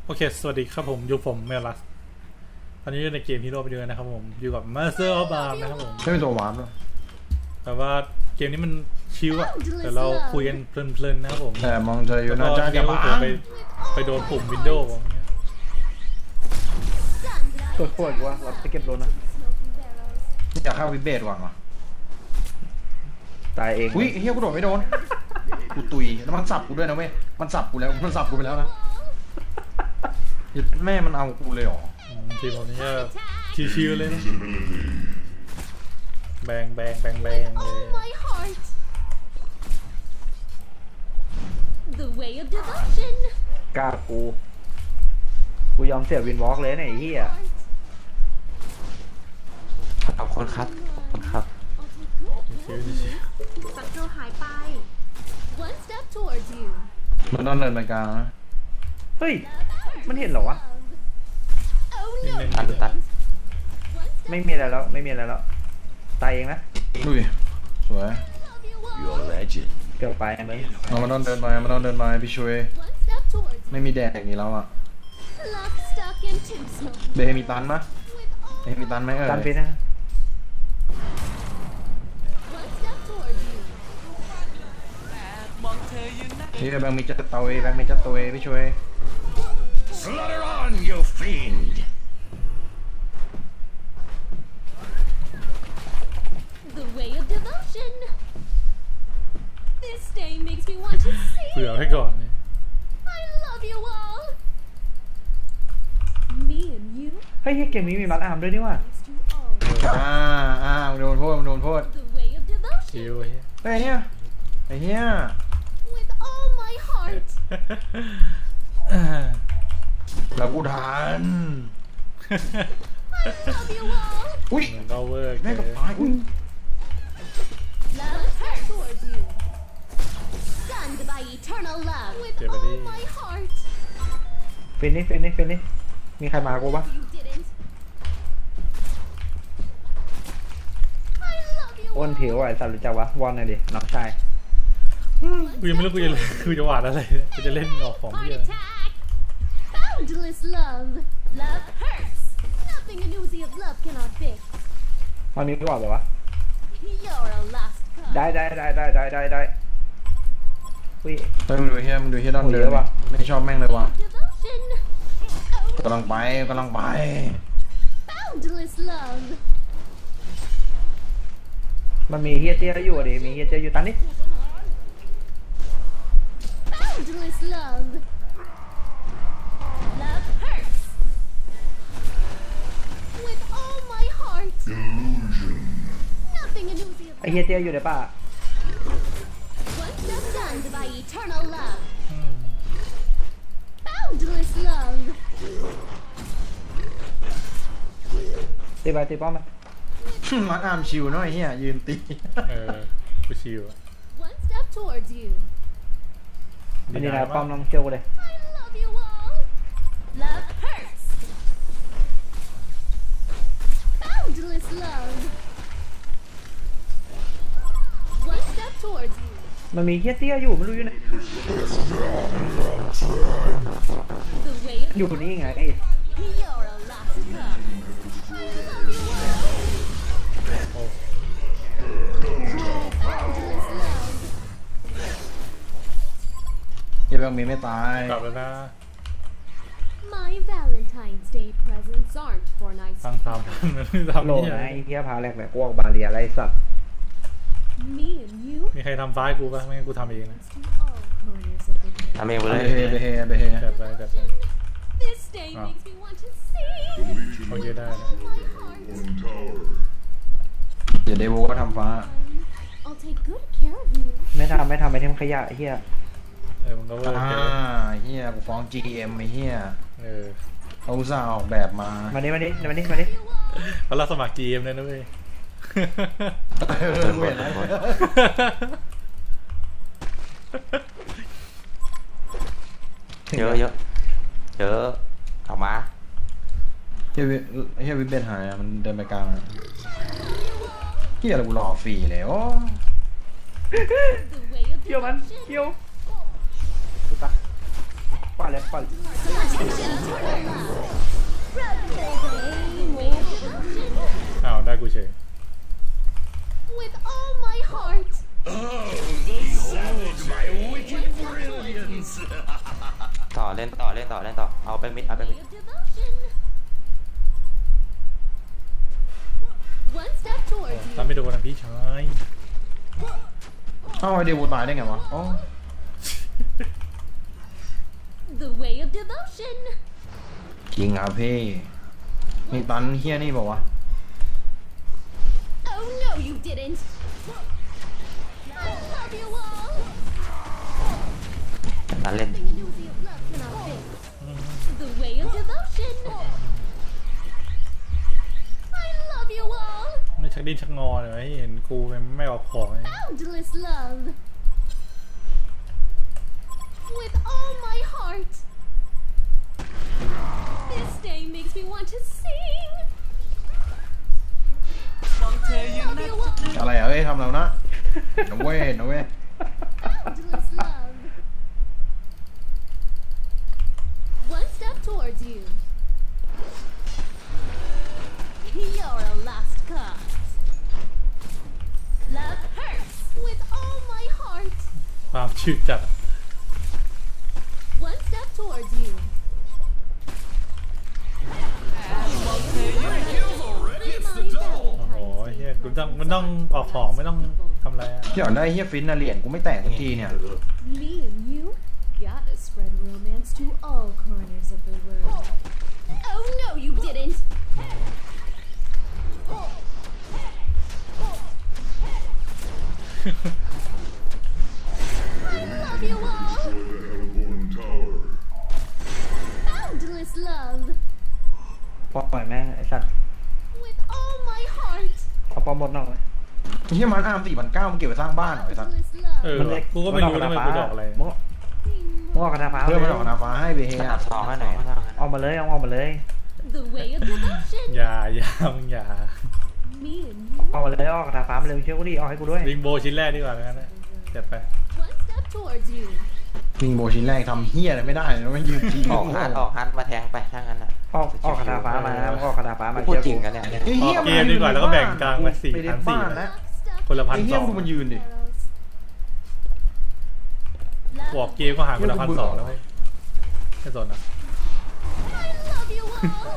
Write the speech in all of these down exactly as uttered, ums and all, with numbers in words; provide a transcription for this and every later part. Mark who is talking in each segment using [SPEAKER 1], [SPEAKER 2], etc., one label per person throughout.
[SPEAKER 1] โอเคสวัสดีครับผมอยู่ผมเมลัสตอนนี้อยู่ในเกมฮีโร่ไปด้วยนะครับผมอยู่กับมาสเตอร์ออฟบาร์นะครับผม
[SPEAKER 2] ไม่เป็นตัววาร์ปหรอ
[SPEAKER 1] แต่ว่าเกมนี้มันชิวอะแต่เราคุยกันเพลินๆนะครับผม
[SPEAKER 2] แต่มองเธออยู่
[SPEAKER 1] แล้
[SPEAKER 2] นะ
[SPEAKER 1] วก็
[SPEAKER 2] จ้าแก
[SPEAKER 1] เดี๋ยว
[SPEAKER 2] บ้า
[SPEAKER 1] เผื่อไปไปโดนปุ่มวินโดว์อย่างเงี้ย
[SPEAKER 3] ตัวปวดวะเราไปเก็บรถนะ
[SPEAKER 2] อยากเข้าวิเบตหวังเหรอ
[SPEAKER 3] ตายเอง
[SPEAKER 2] อุ้ยเฮียกูโดดไม่โดนกูตุยแล้วมันสับกูด้วยนะเว้ยมันสับกูแล้วมันสับกูไปแล้วนะแม่มันเอากูเลยเหรอ
[SPEAKER 1] อืมทีมผมนี่ก็ชิวๆเลยนะแบงแบงแบงแบงเลย
[SPEAKER 4] my heart. The way of devotion.
[SPEAKER 3] กล้ากู กูยอมเสียวินวอล์กเลยเนี่ยไอ้เหี้ย
[SPEAKER 5] ขอบคุณครับขอบคุณครับ
[SPEAKER 1] ชิวๆชิว
[SPEAKER 4] ศัตรูหายไป One step towards you.
[SPEAKER 2] มันต้องเดินไปกลางนะ
[SPEAKER 3] เฮ้ย มันเห็นเหรอวะ
[SPEAKER 4] Oh
[SPEAKER 1] ๆนิด
[SPEAKER 4] no.
[SPEAKER 1] นึง
[SPEAKER 5] ตัดตัด
[SPEAKER 4] One step
[SPEAKER 3] ไม่มีอะไรแล้ว ไม่มีอะไรแล้ว ตายเองนะ
[SPEAKER 2] ดุยสวย
[SPEAKER 4] love you all.
[SPEAKER 5] Your legend
[SPEAKER 3] เกือบไปมึง
[SPEAKER 2] เรามันต้องเดินไปมันต้องเดินไปพี่ช่วย
[SPEAKER 4] One step towards you.
[SPEAKER 2] ไม่มีแดดอย่างนี้แล้วอ่ะ
[SPEAKER 4] Love stuck in too smoke.
[SPEAKER 2] เบมีตันปะ
[SPEAKER 4] With all
[SPEAKER 2] เบมีตันไหมเอ่ย
[SPEAKER 3] ตันไปนะ
[SPEAKER 4] one step towards you.
[SPEAKER 2] นี่แบงค์มีจัตเตาเอแบงค์มีจัตเตาเอพี่ช่วย
[SPEAKER 5] Slaughter on you fiend
[SPEAKER 4] The way of devotion. This day makes me want to
[SPEAKER 1] เผื่อ
[SPEAKER 4] sing.
[SPEAKER 1] ให้ก่อนนี่
[SPEAKER 4] I love you all. Me and you
[SPEAKER 3] เฮ้ยเกมนี้มีมัดอาร์มด้วยนี่ว่ะ
[SPEAKER 4] next to all.
[SPEAKER 2] อ่าอ่ามึงโดนโทษมึงโดนโทษ
[SPEAKER 4] The way of
[SPEAKER 1] ชิ
[SPEAKER 4] devotion.
[SPEAKER 1] วเฮ้ย
[SPEAKER 2] ไอ้เฮียไอ้เฮีย
[SPEAKER 4] With all my heart.
[SPEAKER 2] แล้วกูทัน
[SPEAKER 4] Love you all.
[SPEAKER 2] อุ้ย
[SPEAKER 1] มันก็เวิร์ก
[SPEAKER 2] แม่ง
[SPEAKER 1] เล
[SPEAKER 2] กับ
[SPEAKER 1] ย
[SPEAKER 2] ตายอุ้ย
[SPEAKER 4] Love hurt towards you. Stunned by eternal love. With
[SPEAKER 1] Yeah, but
[SPEAKER 4] all
[SPEAKER 1] he-
[SPEAKER 4] my heart.
[SPEAKER 3] ฟินนี่ฟินนี่ฟินนี่มีใครมากูปะ
[SPEAKER 4] You didn't. I love you
[SPEAKER 3] อ้วน
[SPEAKER 4] all.
[SPEAKER 3] ผิวอ่ะไอ้สัตว์รู้จักวะวอนหน่อยดิน้องชาย
[SPEAKER 1] กูยังไม่รู้กูจะกูจะหวาดอะไรกูจะเล่นออกของ
[SPEAKER 4] Heart
[SPEAKER 1] เหี้ย
[SPEAKER 4] attack. Boundless love. Love hurts. Nothing an oozy of love cannot fix.
[SPEAKER 3] มันมีก่อนเหรอวะ
[SPEAKER 4] You're a lost cause.
[SPEAKER 3] ได้ได้ได้ได้ได้ได้ได้อุ้ย
[SPEAKER 2] เฮ้ยมึงดูเฮียมึงดูเฮียดอน
[SPEAKER 3] โอ้ย
[SPEAKER 2] เดิ
[SPEAKER 3] เย
[SPEAKER 2] น
[SPEAKER 3] อะว่ะ
[SPEAKER 2] ไม่ชอบแม่งเลยว่ะ
[SPEAKER 4] Devotion. Oh,
[SPEAKER 2] กำลังไปกำลังไป
[SPEAKER 4] boundless love.
[SPEAKER 3] มันมีเฮียเตี้ยอยู่อ่ะดิมีเฮียเตี้ยอยู่ตันนี่
[SPEAKER 4] Boundless love. Love hurts. With all my heart. Nothing an oozy of
[SPEAKER 3] ไอเฮียเตี้ยอยู่ในป่า
[SPEAKER 4] One step stunned by eternal love.
[SPEAKER 1] อืม
[SPEAKER 4] Boundless love.
[SPEAKER 3] ตีไปตีป้อมมัน
[SPEAKER 2] มัดอาร์มชิวเนาะไอ้เฮียยืนตี
[SPEAKER 1] เออกูชิวอะ
[SPEAKER 4] One step towards you.
[SPEAKER 3] มันนี่นะป้อมน้องเชียวกูเลย
[SPEAKER 4] I love you all. Love hurts. Boundless love. One step towards you.
[SPEAKER 3] มันมีเฮียเตี้ยอยู่ไม่รู้อยู่ไหน
[SPEAKER 4] The way of
[SPEAKER 3] อยู่นี่ไง
[SPEAKER 4] You're a lost cause. I love you all.
[SPEAKER 1] โอ้
[SPEAKER 4] Boundless love.
[SPEAKER 2] เฮียแบงค์มีไม่ตาย
[SPEAKER 1] กลับแล้วนะ
[SPEAKER 4] My Valentine's Day presents aren't for nice
[SPEAKER 1] ตั้งตามมันทำ
[SPEAKER 3] โหล
[SPEAKER 1] นี่
[SPEAKER 3] นะไอ้เฮียพาแรกแหละพวกบาเรียอะไรสัตว์
[SPEAKER 4] Me and you
[SPEAKER 1] มีใครทำฟ้ายกูป่ะไม่งั้นกูทำเองนะ
[SPEAKER 4] to all corners of the world.
[SPEAKER 5] ทำเองไป
[SPEAKER 2] ไป
[SPEAKER 5] เลย
[SPEAKER 2] เฮไปเฮไปเฮ
[SPEAKER 1] จัดไปจัดไป
[SPEAKER 4] This day
[SPEAKER 1] Ah.
[SPEAKER 4] makes me want to sing.
[SPEAKER 1] โอเคได้นะ
[SPEAKER 4] All my heart.
[SPEAKER 2] เดี๋ยวเดโวก็ทำฟ้า
[SPEAKER 4] I'll take good care of you.
[SPEAKER 3] ไม่ทำไม่ทำไปเทมขยะไอ้เฮีย
[SPEAKER 1] เออมันก็เวิร์ก
[SPEAKER 2] อ่า
[SPEAKER 1] เลย
[SPEAKER 2] เฮียกูฟ้อง จี เอ็ม ไอ้เฮีย
[SPEAKER 1] เออ
[SPEAKER 2] เขาอุตส่าห์ออกแบบมา
[SPEAKER 3] มาดิมาดิมาดิมาดิ
[SPEAKER 4] You all.
[SPEAKER 1] เขารับสมัคร จี เอ็ม เลยนะเว้ย
[SPEAKER 2] เออกูเห็นแล้ว
[SPEAKER 5] เยอะเยอะเยอะออกมา
[SPEAKER 2] เฮียวิเฮียวิเบนหายอะมันเดินไปกลางอะเฮียอะไรกูรอฟรีเลยโอ้
[SPEAKER 4] The way of
[SPEAKER 3] เกี่ยวมัน
[SPEAKER 4] devotion.
[SPEAKER 3] เกี่ยวปล่อยเลยปล่อย
[SPEAKER 1] อ้าวได้กูเฉย
[SPEAKER 4] With all my heart.
[SPEAKER 5] ต่อเล่นต่อเล่นต่อเล่นต่อเอาไปมิดเอาไปมิด
[SPEAKER 4] Way of devotion. One step towards
[SPEAKER 1] ตาม
[SPEAKER 4] you.
[SPEAKER 1] ไม่โดนนะพี่ชาย
[SPEAKER 2] เอ้าไอเดวูตายได้ไงวะอ๋อ
[SPEAKER 4] The way of devotion.
[SPEAKER 2] จริงครับพี่นี่ตันเฮียนี่บอกว่าวะ
[SPEAKER 4] Oh no, you didn't. I love you all.
[SPEAKER 5] นั่นเล่น
[SPEAKER 4] Nothing an oozy of love cannot fix. The way of devotion. I love you all.
[SPEAKER 1] ไม่ชักดิ้นชักงอเลยให้เห็นกูไม่ออกของเลย
[SPEAKER 4] Boundless love. With all my heart. This day makes me want to sing. Love you all.
[SPEAKER 2] อะไรอะเอ้ยทำแล้วนะนะเว้ยนะเว้ย
[SPEAKER 4] Boundless love. One step towards you. You're a lost cause. Love hurts with all my heart.
[SPEAKER 1] ความชืดจัด
[SPEAKER 4] One step towards you.
[SPEAKER 1] โอ้โหเฮียกูต้องมันต้องออกของไม่ต้องทำอะไรอะ
[SPEAKER 2] ที่อยากได้เฮียฟินนะเหรียญกูไม่แตกสักทีเนี่ย
[SPEAKER 4] Me and you gotta spread romance to all corners of the world. Oh no, you didn't. I love you all. Boundless love
[SPEAKER 3] ปล่อยแม่งไอ้สัตว์
[SPEAKER 4] with all my heart.
[SPEAKER 3] เอาปอมหมดนอกเลย
[SPEAKER 2] เฮียมันอาร์มสี่พันเก้ามันเก็บไปสร้างบ้านเหรอไอ้สัส
[SPEAKER 4] Boundless
[SPEAKER 1] เอ
[SPEAKER 4] love.
[SPEAKER 1] อ
[SPEAKER 3] มันเล็ก
[SPEAKER 1] กูก็ไม่รู้นะมันกูดอกอะไร
[SPEAKER 3] มึงมึงออกกระดาษฟ้า
[SPEAKER 2] เพื่อนมันออกนาฟ้าให้ไปเฮีย
[SPEAKER 5] สนับสองให้หน่อย
[SPEAKER 3] ออกมาเลยเอาออกมาเลย
[SPEAKER 4] The way of devotion.
[SPEAKER 1] อย่าอย่ามึงอย่า
[SPEAKER 4] Me and you.
[SPEAKER 3] ออกมาเลยออกกระดาษฟ้ามาเลยเชื่อกูดิออกให้กูด้วย
[SPEAKER 1] วิงโบชิ้นแรกดีกว่าแล้วกันนะจัดไป
[SPEAKER 4] One step towards you.
[SPEAKER 2] มิงโบชิ้นแรกทำเฮียอะไรไม่ได้นะไม่ยืนทิ้ง
[SPEAKER 5] ออกฮันออกฮันมาแทงไปถ้างั้นอ่ะ
[SPEAKER 3] ออกออกกระดาษฟ้ามานะออกกระดาษฟ้ามา
[SPEAKER 5] พูด
[SPEAKER 3] เชื่อ
[SPEAKER 5] จริง
[SPEAKER 3] กู
[SPEAKER 5] กันเนี่ย
[SPEAKER 2] ไอ้เฮีย
[SPEAKER 1] ออกเกมดีกว่าแล้วก็แบ่งกลางไปสี่
[SPEAKER 2] ไปเล่น
[SPEAKER 1] พันสี่
[SPEAKER 2] บ้านแล้ว
[SPEAKER 1] คนละพัน
[SPEAKER 2] ไอ้เฮี
[SPEAKER 1] ส
[SPEAKER 2] ย
[SPEAKER 1] อง
[SPEAKER 2] ดูมันยืนดิ
[SPEAKER 1] กูออกเกมก็หายคนละพันสองแล้วเว้ยไม่สนอ่ะ
[SPEAKER 4] I love you all.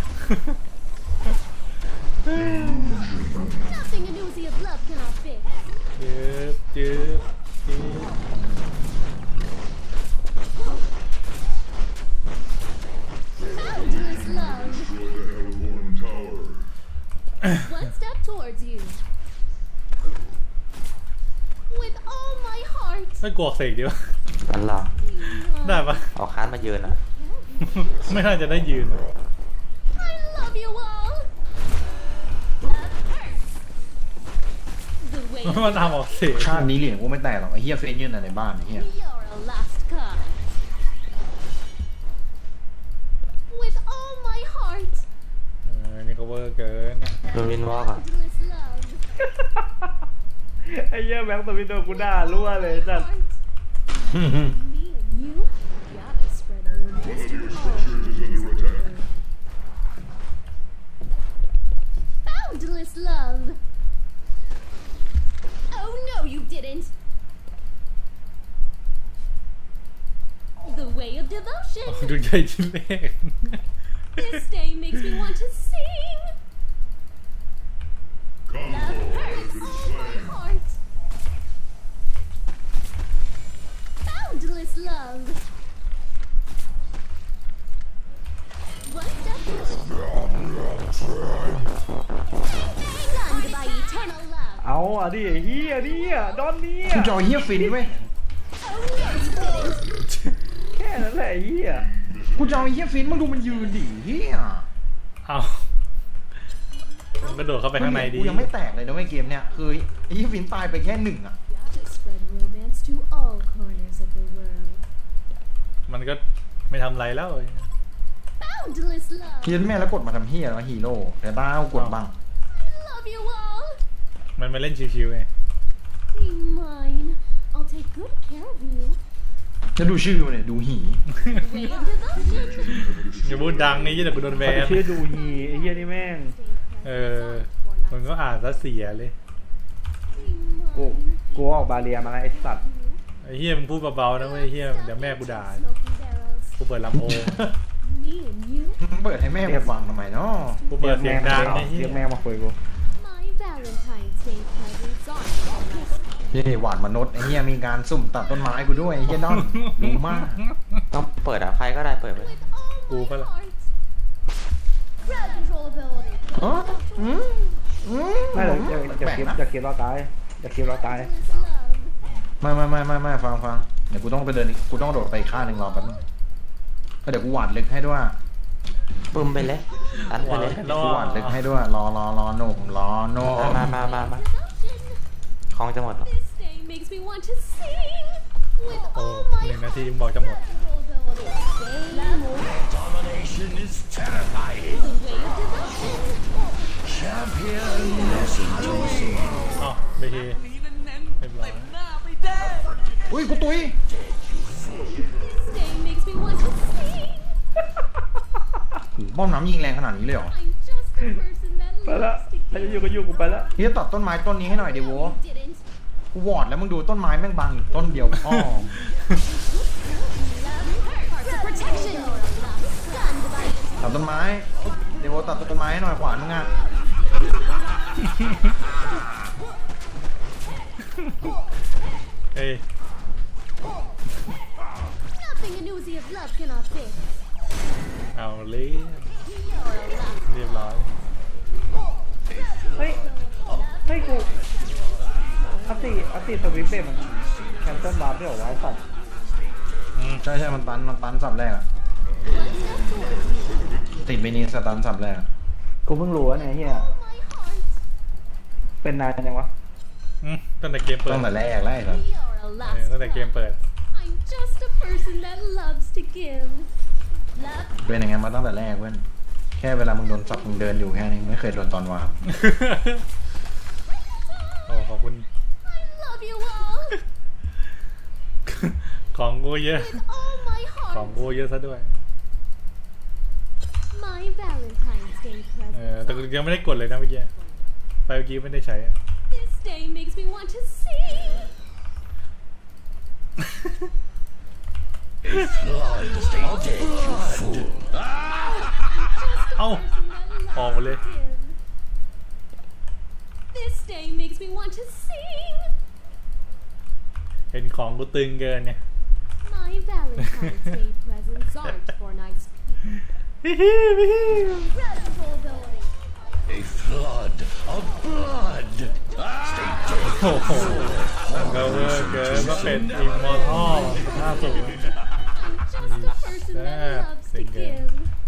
[SPEAKER 4] Nothing an oozy of love cannot fix.
[SPEAKER 1] จืบจืบจืบ
[SPEAKER 4] Boundless love. One step towards you. With all my heart.
[SPEAKER 1] ไม่กลัวเสกดีวะ
[SPEAKER 5] นั่นหรอ
[SPEAKER 1] ได้ปะ
[SPEAKER 5] ออกฮันมายืนอ่ะ
[SPEAKER 1] ไม่น่าจะได้ยืน
[SPEAKER 4] I love you all. Love hurts. The way
[SPEAKER 1] มันทำออกเสก
[SPEAKER 2] ชาตินี้เหรียญกูไม่แตกหรอกไอ้เฮียเฟนยืนในบ้านไอ้เฮีย
[SPEAKER 4] you're a lost cause. With all my heart.
[SPEAKER 1] เออนี่ก็เวอร์เกิน
[SPEAKER 5] โดนวินวอล์กอ่ะ
[SPEAKER 4] Boundless love.
[SPEAKER 3] ไอ้เหี้ยแบงค์สวิตโดนกูด่ารั่วเลยสัตว์
[SPEAKER 4] Me and you gotta spread romance to all corners of the world. Boundless love. Oh no, you didn't. The way of devotion.
[SPEAKER 1] ดูใจชิ้นเล็ก
[SPEAKER 4] This day makes me want to sing. Love hurts all my heart. Boundless love. One step stunned by eternal love.
[SPEAKER 3] เอาอ่ะดิไอ้เหี้ยเนี่ยดอนเนี่ย
[SPEAKER 2] กูจะเอาเฮียฟินไว้ย
[SPEAKER 4] Oh no, you didn't.
[SPEAKER 3] แค่นั้นแหละไอ้เหี้ย
[SPEAKER 2] กูจะเอาไอ้เฮียฟินมึงดูมันยืนดิเฮีย
[SPEAKER 1] เอากระโดดเข้าไปข้างในดี
[SPEAKER 2] กูยังไม่แตกเลยนะเว้ยเกมเนี้ยคือไอ้เฮียฟินตายไปแค่หนึ่งอ่ะ
[SPEAKER 4] Gotta spread romance to all corners of the world.
[SPEAKER 1] มันก็ไม่ทำไรแล้ว
[SPEAKER 4] Boundless love.
[SPEAKER 2] เฮียแม่แล้วกดมาทำเฮียแล้วฮีโร่แต่ต้าเอากดบ้าง
[SPEAKER 4] Love you all.
[SPEAKER 1] มันมาเล่นชิวๆไง
[SPEAKER 4] Be mine. I'll take good care of you.
[SPEAKER 2] จะดูชื่อมันเนี่ยดูหี
[SPEAKER 4] Way of devotion.
[SPEAKER 1] อย่าพูดดังไอ้ยี่แต่กูโดนแบ
[SPEAKER 3] เขา
[SPEAKER 1] น
[SPEAKER 3] ชื่อดูฮีไอ้เหี้ยนี่แม่ง
[SPEAKER 1] เออมันก็อ่านซะเสียเลย
[SPEAKER 3] กูกูออกบาเรียมาแล้วไอ้สัตว์
[SPEAKER 1] ไอ้เฮียมึงพูดเบาๆนะเว้ยไอ้เฮียเดี๋ยวแม่กูด่า
[SPEAKER 4] Smoking barrels.
[SPEAKER 1] กูเปิดลำโพง
[SPEAKER 4] Me and you.
[SPEAKER 2] เปิดให้แม่กูฟังทำไมเนาะ
[SPEAKER 1] กูเปิดเสียงดังไอ้เฮี
[SPEAKER 3] เรี
[SPEAKER 1] ย
[SPEAKER 3] ยกแม่มาคุยกู
[SPEAKER 4] My Valentine's Day presents are
[SPEAKER 2] เฮ้ยหวานมนุษย์ไอ้เหี้ยมีการสุ่มตัดต้นไม้กูด้วยไอ้เหี้ยดอนดูมาก
[SPEAKER 5] ต้องเปิดอ่ะใครก็ได้เปิดไป
[SPEAKER 4] with all
[SPEAKER 1] Cool
[SPEAKER 4] my
[SPEAKER 1] fella.
[SPEAKER 4] heart. Crowd control ability.
[SPEAKER 2] อ๋ออืมอืม
[SPEAKER 3] ไม่เลยอย่าอย่า
[SPEAKER 2] แปลก
[SPEAKER 3] คิด
[SPEAKER 2] นะ
[SPEAKER 3] อย่าคิดเราตายอย่าคิดเราตาย
[SPEAKER 4] Endless love.
[SPEAKER 2] ไม่ไม่ไม่ไม่ไม่ฟังฟังเดี๋ยวกูต้องไปเดินอีกกูต้องโดดไปอีกข้างหนึ่งรอแป๊บนึงแล้วเดี๋ยวกูหวาดลึกให้ด้วย
[SPEAKER 5] บึ้มไปเลยตันไปเลย
[SPEAKER 1] รอ
[SPEAKER 2] กูหวาดลึกให้ด้วยรอรอรอหนุ่มรอหนุ่ม
[SPEAKER 5] มามามามา
[SPEAKER 4] Devotion.
[SPEAKER 5] ของจะหมดหรอ
[SPEAKER 4] This day makes me want to sing with
[SPEAKER 1] โอ้
[SPEAKER 4] all my
[SPEAKER 1] หนึ่งนาทีมึงบอกจะหมด
[SPEAKER 4] control ability. Stay more.
[SPEAKER 6] Domination is terrifying.
[SPEAKER 4] The way of devotion.
[SPEAKER 6] Champion, listen to me.
[SPEAKER 1] อ๋อไปทีเรียบร้อย
[SPEAKER 2] อุ้ยกูตุย
[SPEAKER 4] This day makes me want to sing.
[SPEAKER 2] บ้อมน้ำยิงแรงขนาดนี้เลยเหรอ
[SPEAKER 4] I'm just a person that
[SPEAKER 3] ไปละ
[SPEAKER 4] loves to
[SPEAKER 3] ใครจะอยู่
[SPEAKER 4] give.
[SPEAKER 3] ก็อยู่กูไปละ
[SPEAKER 2] นี่จะตัดต้นไม้ต้นนี้ให้หน่อยดิโว
[SPEAKER 4] You didn't.
[SPEAKER 2] กูวอดแล้วมึงดูต้นไม้แม่งบังอยู่ต้นเดียวพ่อ
[SPEAKER 4] Love hurts. Hearts of protection. Stunned by
[SPEAKER 2] ตัดต้นไม้เดี๋ยวโวตัดต้นไม้ให้หน่อยขวานมึงอ่ะ
[SPEAKER 1] เอ้ย
[SPEAKER 4] nothing an oozy of love cannot fix.
[SPEAKER 1] เอาเลย
[SPEAKER 4] You're a love.
[SPEAKER 1] เรียบร้อย
[SPEAKER 3] เฮ้ยเฮ้ยกูอัตติอัตติสวิปเป้มันแคนเซิลบาร์ด้วยเหรอวะไอ้สัตว์
[SPEAKER 1] อืม
[SPEAKER 2] ใช่ใช่มันตันมันตันสับแรกอะ ติดเมนีสตันสับแรกอะ
[SPEAKER 3] กูเพิ่งรู้ว่าเนี่ยเฮีย
[SPEAKER 4] My heart.
[SPEAKER 3] เป็นนานยังวะ
[SPEAKER 1] อืมตั้งแต่เกมเปิด
[SPEAKER 2] ตั้งแต่แรกแล้วไอ้สัส
[SPEAKER 4] You're a
[SPEAKER 1] เออ
[SPEAKER 4] last
[SPEAKER 1] ตั้งแต่เกม
[SPEAKER 4] love.
[SPEAKER 1] เปิด
[SPEAKER 4] I'm just a person that loves to give. Love.
[SPEAKER 2] เป็นอย่างงั้นมาตั้งแต่แรกเว้ยแค่เวลามึงโดนสับมึงเดินอยู่แค่นี้ไม่เคยโดนตอนวาร์ป
[SPEAKER 1] โอ้ขอบคุณ
[SPEAKER 4] I love you all
[SPEAKER 1] ของกูเยอะ
[SPEAKER 4] with all my
[SPEAKER 1] ของ
[SPEAKER 4] heart.
[SPEAKER 1] กูเยอะซะด้วย
[SPEAKER 4] My Valentine's Day
[SPEAKER 1] เออ แต่
[SPEAKER 4] present.
[SPEAKER 1] กูยังไม่ได้กดเลยนะเมื่อกี้ไปเมื่อกี้ไม่ได้ใช้อะ
[SPEAKER 4] This day makes me want to sing.
[SPEAKER 6] Blood, stay dead, you fool.
[SPEAKER 4] Just a
[SPEAKER 1] Ow.
[SPEAKER 4] person that
[SPEAKER 1] Oh,
[SPEAKER 4] loves
[SPEAKER 1] really?
[SPEAKER 4] to give. This day makes me want to sing.
[SPEAKER 1] เห็นของกูตึงเกินเนี่ย
[SPEAKER 4] My Valentine's Day presents aren't for nice people.
[SPEAKER 1] ฮิฮิฮิฮิ
[SPEAKER 4] Crowd control ability.
[SPEAKER 6] A flood of blood. Stay dead.
[SPEAKER 1] โอ้โหมันก็เวอร์เกินว่าเป็นอิมมอร์ทัลห้าสูง
[SPEAKER 4] I'm just a person that
[SPEAKER 1] Sad
[SPEAKER 4] loves to
[SPEAKER 1] singer.
[SPEAKER 4] give.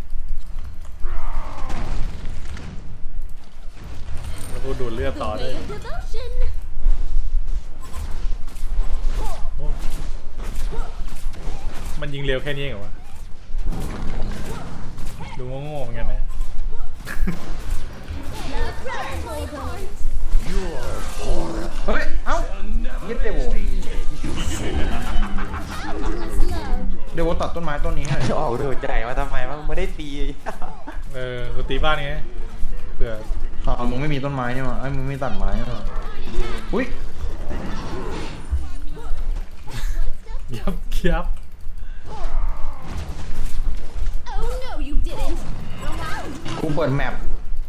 [SPEAKER 1] แล้วกูดูดเลือด
[SPEAKER 4] The
[SPEAKER 1] ต่อเลย
[SPEAKER 4] way of devotion.
[SPEAKER 1] โอ้มันยิงเร็วแค่นี้เองเหรอวะ ดูโง่ๆเหมือนกันนะ
[SPEAKER 4] Love crowd control ability.
[SPEAKER 2] เฮ้ย เอ้ายึดเดโว
[SPEAKER 4] Endless love.
[SPEAKER 2] เดโวตัดต้นไม้ต้นนี้ให้
[SPEAKER 5] จะออกดูใจว่าทำไมว่ามึงไม่ได้ตี
[SPEAKER 1] เออกูตีบ้านไงเผื่อ
[SPEAKER 2] อ๋อมึงไม่มีต้นไม้นี่มาไอ้ยมึงไม่ตัดไม้นี่มาอุ้ย
[SPEAKER 1] ยับยับ
[SPEAKER 4] Oh no, you didn't.
[SPEAKER 2] กูเปิดแมป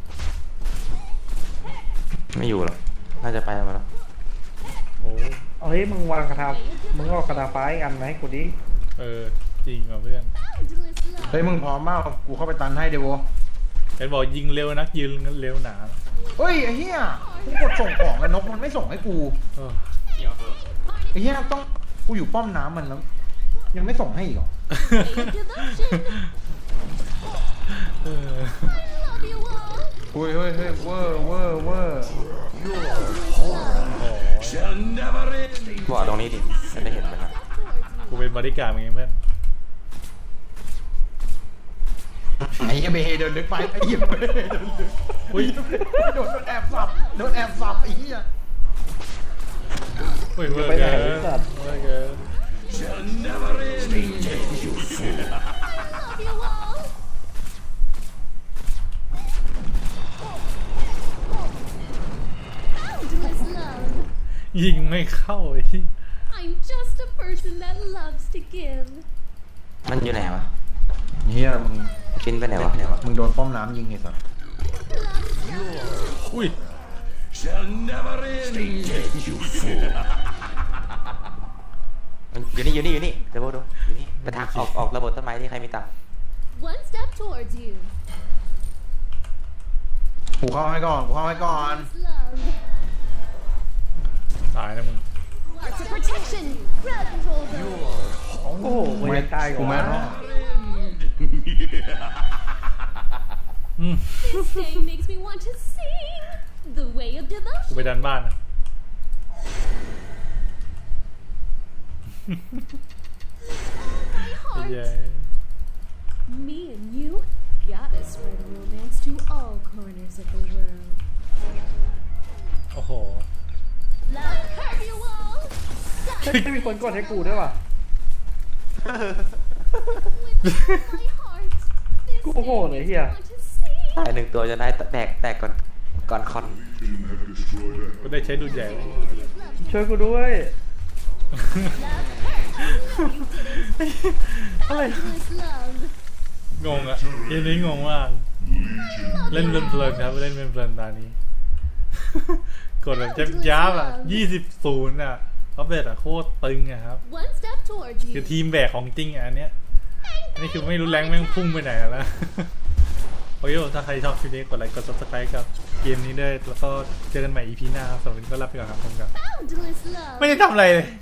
[SPEAKER 5] ไม่อยู่หรอกน่าจะไปมาแล้ว
[SPEAKER 1] โอ้
[SPEAKER 3] เฮ้ยมึงวางกระทามึงเอากระทาฟ้าอีกอันมาให้กูดิ
[SPEAKER 1] เออจริงว่ะเพื่อน
[SPEAKER 4] Boundless love.
[SPEAKER 2] เฮ้ยมึงพร้อมเปล่ากูเข้าไปตันให้เดโว
[SPEAKER 1] เห็นบอกยิงเร็วนักยิงเร็วหนา
[SPEAKER 2] เฮ้ยไอ้เหี้ยกูกดส่งของแล้วนกมันไม่ส่งให้กู
[SPEAKER 1] เออ
[SPEAKER 2] ไอ้เหี้ยต้องกูอยู่ป้อมน้ำมันแล้วยังไม่ส่งให้อีกเหรอ
[SPEAKER 4] Way of devotion.
[SPEAKER 1] เออ
[SPEAKER 4] Love you all.
[SPEAKER 2] เฮ้ยเฮ้ยเฮ้ยเวอร์เวอร์เวอร์
[SPEAKER 1] โอ้
[SPEAKER 6] Shall never end.
[SPEAKER 5] บอกตรงนี้ดิจะได้เห็นมันนะ
[SPEAKER 1] กูเป็นบริการดมึงไงเพื่อน
[SPEAKER 2] ไอ้เหี้ยเบย์เดินลึกไปไอ้เหี้ยเบย์เดินลึก
[SPEAKER 1] อุ้ย
[SPEAKER 2] โดนโดนแอบสับโดนแอบสับไอ้เหี้ย
[SPEAKER 1] อุ้ยเวอร์เกินเวอร์เกิน
[SPEAKER 6] shall never end. Stay dead, you fool.
[SPEAKER 4] Love you all. Boundless love.
[SPEAKER 1] ยิงไม่เข้าไอ้
[SPEAKER 4] I'm just a person that loves to give.
[SPEAKER 5] มันอยู่ไหนวะ
[SPEAKER 2] เฮียมึง
[SPEAKER 5] ฟินไปไหนวะ
[SPEAKER 2] มึงโดนป้อมน้ำยิงไอ้สัส
[SPEAKER 1] อุ้ย
[SPEAKER 6] Shall never end. Stay dead, you fool.
[SPEAKER 5] มันอยู่นี่อยู่นี่อยู่นี่เดี๋ยวโบดูอยู่นี่ไปทางออกออกระบบต้นไม้ที่ใครมีตังค์
[SPEAKER 4] One step towards you.
[SPEAKER 2] กูเข้าให้ก่อนกูเข้าให้ก่อน
[SPEAKER 4] Boundless love.
[SPEAKER 1] ตายนะมึง
[SPEAKER 4] Arts of protection. Grab hold of.
[SPEAKER 3] โอ้โหกูยังตายก่
[SPEAKER 2] กู
[SPEAKER 3] อน
[SPEAKER 2] ไม่รอด
[SPEAKER 1] อืม
[SPEAKER 4] This day makes me want to sing. The way of
[SPEAKER 1] กู
[SPEAKER 4] devotion.
[SPEAKER 1] ไปดันบ้านนะ
[SPEAKER 4] My
[SPEAKER 1] เย้
[SPEAKER 4] heart. Me and you gotta spread romance to all corners of the world.
[SPEAKER 1] โอ้โห
[SPEAKER 4] Love curve you all.
[SPEAKER 3] ไม่มีคนกดให้กูด้วยว่ะ
[SPEAKER 4] With all my heart. This
[SPEAKER 3] Cô
[SPEAKER 4] day
[SPEAKER 3] hồn này
[SPEAKER 4] makes me
[SPEAKER 3] kìa.
[SPEAKER 4] want to sing.
[SPEAKER 5] ตายหนึ่งตัวจะได้แตกแตกก่อนก่อนคอน
[SPEAKER 1] กูได้ใช้ดูดใหญ่เลย
[SPEAKER 3] ช่วยกูด้วย
[SPEAKER 4] Boundless love.
[SPEAKER 1] งงอะเกมนี้งงมาก เล่นเพลินๆครับเล่นเพลินๆตอนนี้ กดแบบยับๆอ่ะยี่สิบศูนย์อ่ะเขาเบ็ดอ่ะโคตรตึงอ่ะครับ
[SPEAKER 4] One step towards
[SPEAKER 1] คือ
[SPEAKER 4] you.
[SPEAKER 1] ทีมแบกของจริงอ่ะอันเนี้ยอันนี้คือไม่รู้แรงแม่งพุ่งไปไหนแล้ว โอเคผมถ้าใครชอบคลิปนี้กดไลค์กด ซับสไครบ์ กับเกมนี้ด้วยแล้วก็เจอกันใหม่ อี พี หน้าครับสำหรับวันนี้ก็ลาไปก่อนครับผมครับ
[SPEAKER 4] Boundless love.
[SPEAKER 1] ไม่ได้ทำอะไรเลย